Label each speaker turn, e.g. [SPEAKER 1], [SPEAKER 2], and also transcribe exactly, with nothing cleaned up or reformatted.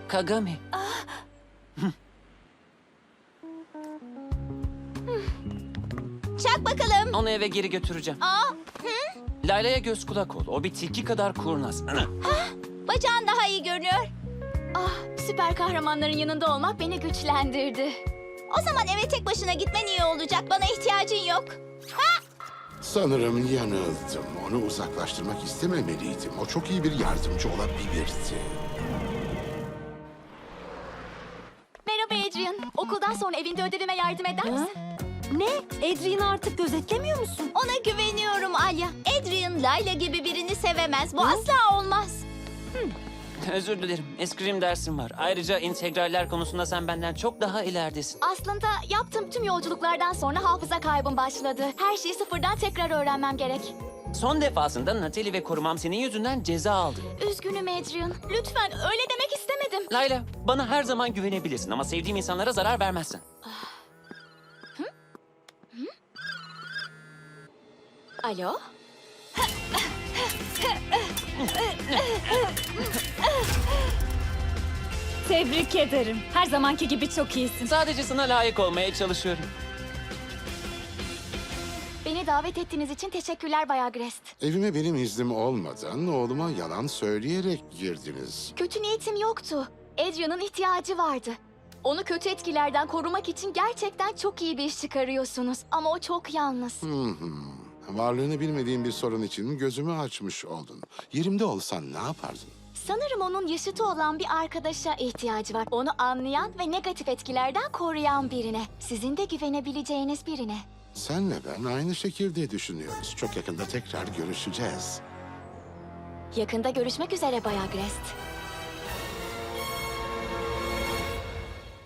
[SPEAKER 1] Kagami.
[SPEAKER 2] Çak bakalım.
[SPEAKER 1] Onu eve geri götüreceğim.
[SPEAKER 2] Aa,
[SPEAKER 1] Layla'ya göz kulak ol. O bir tilki kadar kurnaz.
[SPEAKER 2] bacağın daha iyi görünüyor.
[SPEAKER 3] Ah, süper kahramanların yanında olmak beni güçlendirdi.
[SPEAKER 2] O zaman eve tek başına gitmen iyi olacak. Bana ihtiyacın yok.
[SPEAKER 4] Sanırım yanıldım. Onu uzaklaştırmak istememeliydim. O çok iyi bir yardımcı olabilirdi.
[SPEAKER 3] Merhaba Adrian. Okuldan sonra evinde ödevime yardım eder misin?
[SPEAKER 5] Ne? Adrian'ı artık gözetlemiyor musun?
[SPEAKER 2] Ona güveniyorum Alya. Adrian, Layla gibi birini sevemez. Bu asla olmaz.
[SPEAKER 1] Özür dilerim. Eskrim dersim var. Ayrıca integraller konusunda sen benden çok daha ileridesin.
[SPEAKER 3] Aslında yaptığım tüm yolculuklardan sonra hafıza kaybım başladı. Her şeyi sıfırdan tekrar öğrenmem gerek.
[SPEAKER 1] Son defasında Natalie ve korumam senin yüzünden ceza aldı.
[SPEAKER 3] Üzgünüm Adrian. Lütfen öyle demek istemedim.
[SPEAKER 1] Layla, bana her zaman güvenebilirsin ama sevdiğim insanlara zarar vermezsin.
[SPEAKER 3] Alo?
[SPEAKER 5] Tebrik ederim. Her zamanki gibi çok iyisin.
[SPEAKER 1] Sadece sana layık olmaya çalışıyorum.
[SPEAKER 3] Beni davet ettiğiniz için teşekkürler Bay Agrest.
[SPEAKER 4] Evime benim iznim olmadan oğluma yalan söyleyerek girdiniz.
[SPEAKER 3] Kötü niyetim yoktu. Adrian'ın ihtiyacı vardı. Onu kötü etkilerden korumak için gerçekten çok iyi bir iş çıkarıyorsunuz. Ama o çok yalnız.
[SPEAKER 4] Hı hı. Varlığını bilmediğim bir sorun için gözümü açmış oldun. Yerimde olsan ne yapardın?
[SPEAKER 3] Sanırım onun yaşıtı olan bir arkadaşa ihtiyacı var. Onu anlayan ve negatif etkilerden koruyan birine. Sizin de güvenebileceğiniz birine.
[SPEAKER 4] Senle ben aynı şekilde düşünüyoruz. Çok yakında tekrar görüşeceğiz.
[SPEAKER 3] Yakında görüşmek üzere Bay Agrest.